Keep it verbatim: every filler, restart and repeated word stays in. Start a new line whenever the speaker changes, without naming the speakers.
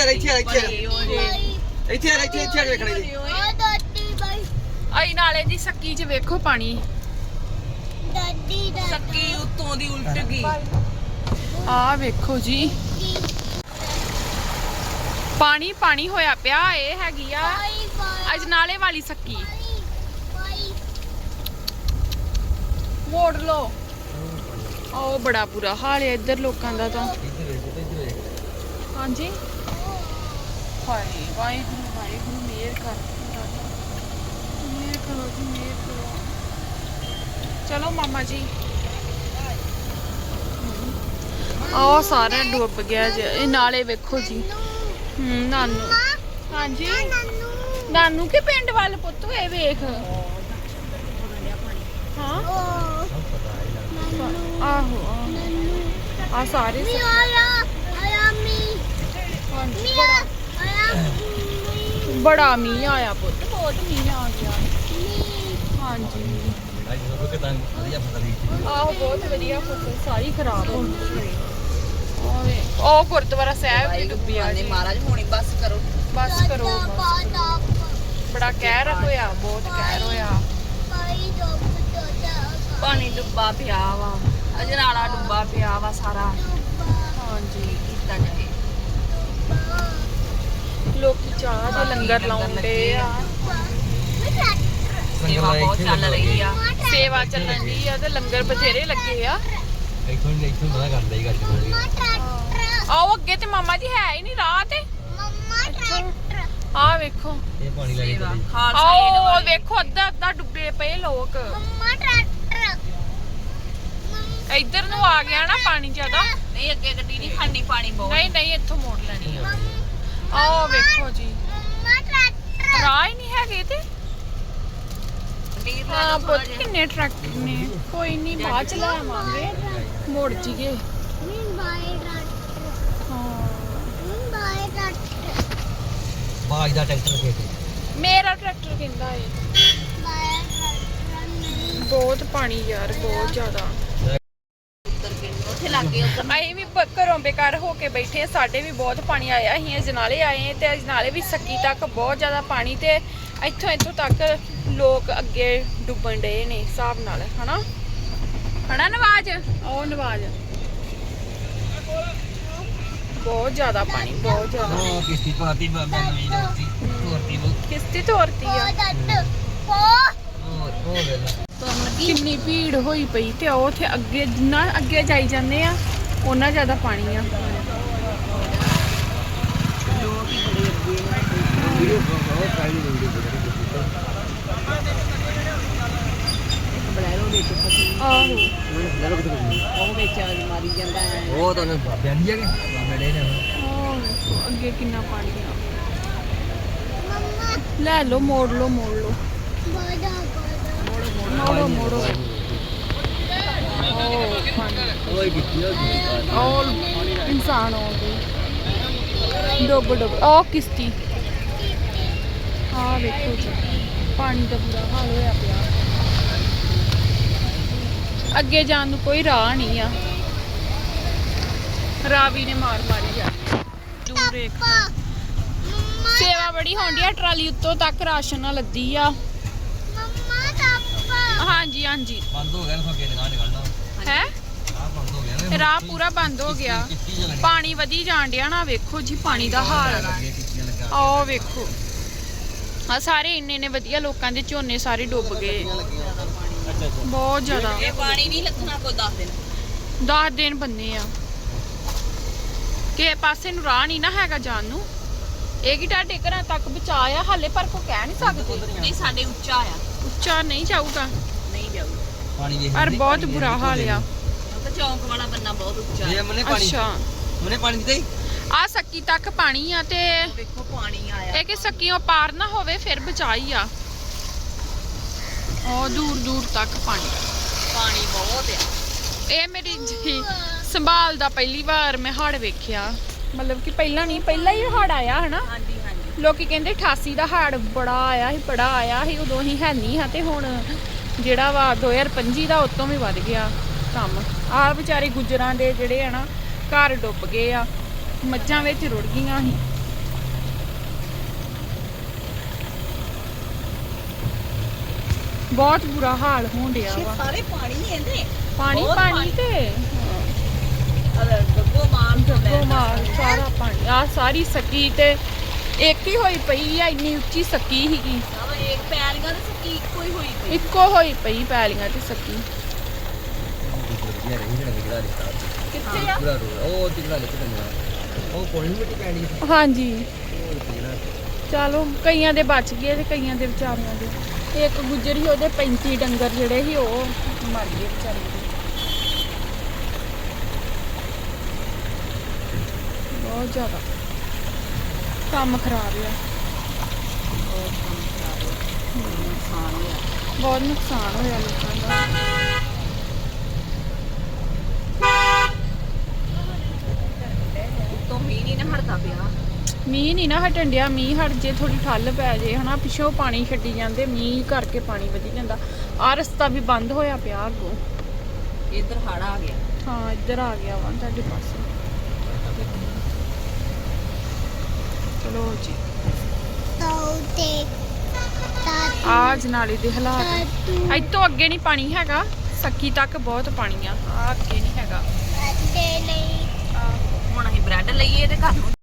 ਆ ਇੱਥੇ ਆ ਇੱਥੇ ਇੱਥੇ ਆ ਇੱਥੇ ਇੱਥੇ ਵੇਖਣੇ ਜੀ
ਆਈ ਨਾਲੇ ਦੀ ਸੱਕੀ 'ਚ ਵੇਖੋ ਪਾਣੀ
ਸੱਕੀ ਉੱਤੋਂ ਦੀ ਉਲਟ ਗਈ।
ਆ ਵੇਖੋ ਜੀ ਪਾਣੀ ਪਾਣੀ ਹੋਇਆ ਪਿਆ। ਇਹ ਹੈਗੀ ਆ ਅਜਨਾਲੇ ਵਾਲੀ ਸੱਕੀ। ਮੋੜ ਲੋ। ਉਹ ਬੜਾ ਬੁਰਾ ਹਾਲ ਹੈ ਇੱਧਰ ਲੋਕਾਂ ਦਾ ਤਾਂ। ਹਾਂਜੀ ਹਾਏ ਵਾਹਿਗੁਰੂ ਵਾਹਿਗੁਰੂ ਮਿਹਰ ਕਰ ਮਿਹਰ ਕਰੋ ਜੀ ਮਿਹਰ ਕਰੋ। ਚਲੋ ਮਾਮਾ ਜੀ ਆਹ ਸਾਰਾ ਡੁੱਬ ਗਿਆ ਜੀ। ਇਹ ਨਾਲੇ ਵੇਖੋ ਜੀ। ਹੂੰ ਨਾਨੂ ਹਾਂਜੀ ਨਾਨੂ ਕੇ ਪਿੰਡ ਵੱਲ ਪੁੱਤ ਇਹ ਵੇਖ। ਹਾਂ ਆਹੋ ਆ ਸਾਰੇ ਬੜਾ ਮੀਂਹ ਆਇਆ ਪੁੱਤ ਬਹੁਤ ਮੀਂਹ ਆ ਗਿਆ। ਹਾਂਜੀ ਆਹੋ ਬਹੁਤ ਵਧੀਆ ਫਸਲ ਸਾਰੀ ਖਰਾਬ ਹੋ ਗਈ। ਉਹ ਗੁਰਦੁਆਰਾ ਸਾਹਿਬ ਵੀ ਡੁੱਬਿਆ ਜੀ।
ਮਹਾਰਾਜ ਹੁਣੀ ਬਸ ਕਰੋ
ਬਸ ਕਰੋ ਬੜਾ ਕਹਿਰ ਹੋਇਆ ਬਹੁਤ ਕਹਿਰ ਹੋਇਆ।
ਪਾਣੀ ਡੁੱਬਾ ਪਿਆ ਵਾ ਅਜਨਾਲਾ ਡੁੱਬਾ ਪਿਆ ਵਾ ਸਾਰਾ।
ਹਾਂਜੀ
ਕੀਤਾ ਜਾਏ
ਲੋਕੀ ਚਾਹ ਦੇ ਲੰਗਰ ਲਾਉਂਦੇ ਆ।
ਸੇਵਾ ਬਹੁਤ ਚੱਲ ਰਹੀ ਆ।
ਸੇਵਾ ਚੱਲਣ ਦੀ ਆ ਤੇ ਲੰਗਰ ਬਥੇਰੇ ਲੱਗੇ ਆ।
ਇੱਥੋਂ ਇੱਥੋਂ ਨਾ ਕਰਦਾ ਹੀ ਗੱਡੀ
ਆਓ ਅੱਗੇ ਤੇ ਮਾਮਾ ਜੀ ਹੈ ਹੀ ਨਹੀਂ ਰਾਹ ਤੇ। ਆ ਵੇਖੋ
ਇਹ ਪਾਣੀ ਲੈ ਕੇ ਚੱਲੀ।
ਆਓ ਵੇਖੋ ਅੱਧਾ ਅੱਧਾ ਡੁੱਬੇ ਪਏ ਲੋਕ। ਇੱਧਰ ਨੂੰ ਆ ਗਿਆ ਨਾ ਪਾਣੀ ਜ਼ਿਆਦਾ।
ਨਹੀਂ ਅੱਗੇ ਗੱਡੀ ਨਹੀਂ ਖੜਨੀ ਪਾਣੀ ਬਹੁਤ।
ਨਹੀਂ ਨਹੀਂ ਇੱਥੋਂ ਮੋੜ ਲੈਣੀ ਆ। ਆਓ ਵੇਖੋ ਜੀ ਰਾਹ ਹੀ ਨਹੀਂ ਹੈਗੇ ਤੇ। ਹਾਂ ਪੁੱਤ ਕਿੰਨੇ ਟਰੈਕਟਰ ਨੇ। ਕੋਈ ਨਹੀਂ ਬਾਅਦ ਚ ਲੈ ਆਵਾਂਗੇ ਮੋੜ ਜੀਗੇ।
ਬਾਜ ਦਾ ਟਰੈਕਟਰ ਖੇਤੇ
ਮੇਰਾ ਟਰੈਕਟਰ ਕਹਿੰਦਾ ਏ। ਬਹੁਤ ਪਾਣੀ ਯਾਰ ਬਹੁਤ ਜ਼ਿਆਦਾ।
ਉੱਥੇ ਲੱਗ ਗਏ
ਅਸੀਂ ਵੀ ਬ- ਘਰੋਂ ਬੇਕਾਰ ਹੋ ਕੇ ਬੈਠੇ ਆ। ਸਾਡੇ ਵੀ ਬਹੁਤ ਪਾਣੀ ਆਇਆ। ਅਸੀਂ ਅਜਨਾਲੇ ਆਏ ਤੇ ਅਜਨਾਲੇ ਵੀ ਸੱਕੀ ਤੱਕ ਬਹੁਤ ਜ਼ਿਆਦਾ ਪਾਣੀ ਤੇ ਇੱਥੋਂ ਇੱਥੋਂ ਤੱਕ ਲੋਕ ਅੱਗੇ ਡੁੱਬਣ ਡਏ ਨੇ ਹਿਸਾਬ ਨਾਲ ਹਨਾ ਹਨਾ ਨਵਾਜ਼। ਉਹ ਨਵਾਜ਼ ਬਹੁਤ ਜ਼ਿਆਦਾ ਪਾਣੀ ਬਹੁਤ ਜ਼ਿਆਦਾ।
ਉਹ ਕਿਸ਼ਤੀ ਪਾਤੀ ਬਾਬਾ ਨਵੀਂ ਦੋਸਤੀ ਤੋਰਤੀ ਬਹੁਤ
ਕਿਸ਼ਤੀ ਤੋਰਤੀ ਆ।
ਹੋਰ ਹੋ ਗਿਆ
ਕਿੰਨੀ ਭੀੜ ਹੋਈ ਪਈ ਤੇ ਉਹ ਉੱਥੇ ਅੱਗੇ ਜਿੰਨਾ ਅੱਗੇ ਜਾਈ ਜਾਂਦੇ ਆ ਉਹਨਾਂ ਜ਼ਿਆਦਾ ਪਾਣੀ ਆ।
ਵੀਡੀਓ ਬਹੁਤ ਕਾਲੀ ਵੀਡੀਓ
ਬਲੈਰੋ ਵਿੱਚ ਫਸੀ।
ਆਹੋ
ਉਹ ਵਿੱਚ ਮਾਰੀ ਜਾਂਦਾ ਹੈ।
ਉਹ ਤਾਂ ਬਾਬਿਆਂ ਦੀ ਜਗ੍ਹਾ ਬਾਬੇ ਦੇ ਨੇ
ਆਹ ਅੱਗੇ ਕਿੰਨਾ ਪਾਣੀ ਆ। ਲੈ ਲਓ ਮੋੜ ਲਓ ਮੋੜ ਲਓ ਮੋੜੋ ਮੋੜੋ। ਉਹ ਪਾਣੀ
ਓਏ ਕਿੱਥੇ ਹੋ
ਔਰ ਇਨਸਾਨ ਹੋ ਗਏ ਡੁੱਬ ਡੁੱਬ। ਉਹ ਕਿਸ਼ਤੀ ਆ ਵੇਖੋ ਜੀ ਪਾਣੀ ਦਾ ਬੁਰਾ ਹਾਲ ਹੋਇਆ ਪਿਆ। ਅੱਗੇ ਜਾਣ ਨੂੰ ਕੋਈ ਰਾਹ ਨਹੀਂ ਆ। ਰਾਵੀ ਨੇ ਮਾਰ ਮਾਰੀ ਜਾ ਦੂਰ ਇੱਕ ਸੇਵਾ ਬੜੀ ਹੋਣ ਡਈ ਆ। ਟਰਾਲੀ ਉੱਤੋਂ ਤੱਕ ਰਾਸ਼ਨ ਨਾਲ ਲੱਦੀ ਆ। ਹਾਂਜੀ ਹਾਂਜੀ
ਬੰਦ ਹੋ ਗਿਆ ਨਾ ਅੱਗੇ ਨਿਕਾਲ ਨਿਕਲਣਾ
ਹੈ
ਆਹ ਬੰਦ ਹੋ ਗਿਆ ਨਾ
ਰਾਹ ਪੂਰਾ ਬੰਦ ਹੋ ਗਿਆ। ਪਾਣੀ ਵਧੀ ਜਾਣ ਡਿਆ ਨਾ ਵੇਖੋ ਜੀ ਪਾਣੀ ਦਾ ਹਾਲ। ਆਹ ਵੇਖੋ ਆ ਸਾਰੇ ਇੰਨੇ ਨੇ ਵਧੀਆ ਲੋਕਾਂ ਦੇ ਝੋਨੇ ਸਾਰੇ ਡੁੱਬ ਗਏ ਬਹੁਤ ਜ਼ਿਆਦਾ।
ਇਹ ਪਾਣੀ ਨਹੀਂ ਲੱਥਣਾ ਕੋਈ ਦਸ ਦਿਨ
ਦਸ ਦਿਨ ਬੰਨੇ ਆ। ਕਿਸੇ ਪਾਸੇ ਨੂੰ ਰਾਹ ਨਹੀਂ ਨਾ ਹੈਗਾ ਜਾਣ ਨੂੰ। ਇਹ ਕੀ ਤੁਹਾਡੇ ਘਰਾਂ ਤੱਕ ਬਚਾਇਆ ਹਾਲੇ ਪਰ ਕੋ ਕਹਿ ਨਹੀਂ ਸਕਦੇ।
ਨਹੀਂ ਸਾਡੇ ਉੱਚਾ ਆ।
ਉੱਚਾ ਨਹੀਂ ਜਾਊਗਾ
ਨਹੀਂ ਜਾਊਗਾ
ਪਾਣੀ ਵੇਖ
ਪਰ ਬਹੁਤ ਬੁਰਾ ਹਾਲ ਆ।
ਕਿਉਂਕਿ ਚੌਂਕ ਵਾਲਾ ਬੰਨਾ ਬਹੁਤ ਉੱਚਾ
ਇਹ
ਹੈ।
ਮਨੇ ਪਾਣੀ
ਅੱਛਾ
ਮਨੇ ਪਾਣੀ ਦਿੱਤਾ ਹੀ
ਆ ਸੱਕੀ ਤੱਕ ਪਾਣੀ ਆ ਤੇ
ਵੇਖੋ ਪਾਣੀ ਆਇਆ।
ਇਹ ਕਿ ਸੱਕੀਓਂ ਪਾਰ ਨਾ ਹੋਵੇ ਫਿਰ ਬਚਾਈ ਆ। ਉਹ ਦੂਰ ਦੂਰ ਤੱਕ ਪਾਣੀ
ਪਾਣੀ ਬਹੁਤ ਆ।
ਇਹ ਮੇਰੀ ਜੀ ਸੰਭਾਲ ਦਾ ਪਹਿਲੀ ਵਾਰ ਮੈਂ ਹੜ ਵੇਖਿਆ। ਮਤਲਬ ਕਿ ਪਹਿਲਾਂ ਨਹੀਂ ਪਹਿਲਾਂ ਹੀ ਹੜ ਆਇਆ ਹਨਾ।
ਹਾਂਜੀ ਹਾਂਜੀ
ਲੋਕੀ ਕਹਿੰਦੇ ਅਠਾਸੀ ਦਾ ਹੜ ਬੜਾ ਆਇਆ ਸੀ ਬੜਾ ਆਇਆ ਸੀ ਉਦੋਂ ਹੀ ਹੈ ਨਹੀਂ ਹਾਂ ਤੇ ਹੁਣ ਜਿਹੜਾ ਵਾ ਦੋ ਹਜ਼ਾਰ ਪੰਜੀ ਦਾ ਉਤੋਂ ਵੀ ਵੱਧ ਗਿਆ ਕੰਮ। ਆਹ ਵਿਚਾਰੇ ਗੁੱਜਰਾਂ ਦੇ ਜਿਹੜੇ ਆ ਨਾ ਘਰ ਡੁੱਬ ਗਏ ਆ। ਮੱਝਾਂ ਵਿੱਚ ਰੁੜ ਗਈਆਂ ਸੀ ਬਹੁਤ ਬੁਰਾ ਹਾਲ ਹੋਣ ਡਿਆ ਵਾ
ਸਾਰੇ ਪਾਣੀ ਹੀ ਇਹਦੇ
ਪਾਣੀ
ਬਹੁਤ
ਪਾਣੀ
ਪਾਣੀ।
ਤੇ
ਅਰੇ ਗੱਗੋ ਮਾਰ ਤੋਂ ਲੈ
ਉਹ ਮਾਰ ਸਾਰਾ ਪਾਣੀ ਆ ਸਾਰੀ ਸਕੀ ਤੇ ਇੱਕ ਹੀ ਹੋਈ ਪਈ ਆ ਇੰਨੀ ਉੱਚੀ ਸਕੀ ਸੀਗੀ
ਸਾਰਾ ਇੱਕ ਪੈਲੀਆਂ ਦੇ ਸਕੀ ਕੋਈ ਹੋਈ ਪਈ
ਇੱਕੋ ਹੋਈ ਪਈ ਪੈਲੀਆਂ ਤੇ ਸਕੀ
ਵਧੀਆ ਰਹੀ ਜਿਹੜਾ ਨਿਕਲਾ ਰਿਸ਼ਤਾ
ਕਿੱਥੇ ਆ
ਪੂਰਾ ਰੋਡ ਉਹ ਤਿਗੜਾ ਨਿਕਲ ਜਾਂਦਾ ਉਹ ਕੋਈ ਮਿੱਟੀ ਪੈਣੀ ਸੀ
ਹਾਂਜੀ
ਉਹ ਤਿਗੜਾ
ਚਲੋ ਕਈਆਂ ਦੇ ਬਚ ਗਏ ਤੇ ਕਈਆਂ ਦੇ ਵਿਚਾਰਿਆਂ ਦੇ ਇੱਕ ਗੁੱਜਰ ਸੀ ਉਹਦੇ ਪੈਂਤੀ ਡੰਗਰ ਜਿਹੜੇ ਸੀ ਉਹ ਮਰ ਗਏ ਵਿਚਾਰੇ ਦੇ ਬਹੁਤ ਜ਼ਿਆਦਾ ਕੰਮ ਖਰਾਬ ਆ
ਨੁਕਸਾਨ ਹੋਇਆ
ਬਹੁਤ ਨੁਕਸਾਨ ਹੋਇਆ ਲੋਕਾਂ ਦਾ
ਉੱਤੋਂ ਮੀਂਹ ਨਹੀਂ ਨਾ ਹਟਦਾ ਪਿਆ
ਮੀਂਹ ਨਹੀਂ ਨਾ ਹਟਣ ਡਿਆ ਮੀਂਹ ਹਟ ਜੇ ਥੋੜੀ ਠੱਲ ਪੈ ਜੇ ਹਨਾ ਪਿੱਛੋਂ ਪਾਣੀ ਛੱਡੀ ਜਾਂਦੇ ਮੀਂਹ ਕਰਕੇ ਪਾਣੀ ਵਧੀ ਜਾਂਦਾ ਆ ਰਸਤਾ ਵੀ ਬੰਦ ਹੋਇਆ ਪਿਆ ਅੱਗੋਂ
ਇੱਧਰ ਹੜ ਆ ਗਿਆ
ਹਾਂ ਇੱਧਰ ਆ ਗਿਆ ਵਾ ਤੁਹਾਡੇ ਪਾਸੇ ਚਲੋ ਜੀ ਆ ਜਨਾਲੇ ਦੇ ਹਾਲਾਤ ਇੱਥੋਂ ਅੱਗੇ ਨਹੀਂ ਪਾਣੀ ਹੈਗਾ ਸੱਕੀ ਤੱਕ ਬਹੁਤ ਪਾਣੀ ਆ ਆ ਅੱਗੇ ਨਹੀਂ ਹੈਗਾ
ਹੁਣ ਅਸੀਂ ਬ੍ਰੈਡ ਲਈਏ ਤੇ ਘਰ ਨੂੰ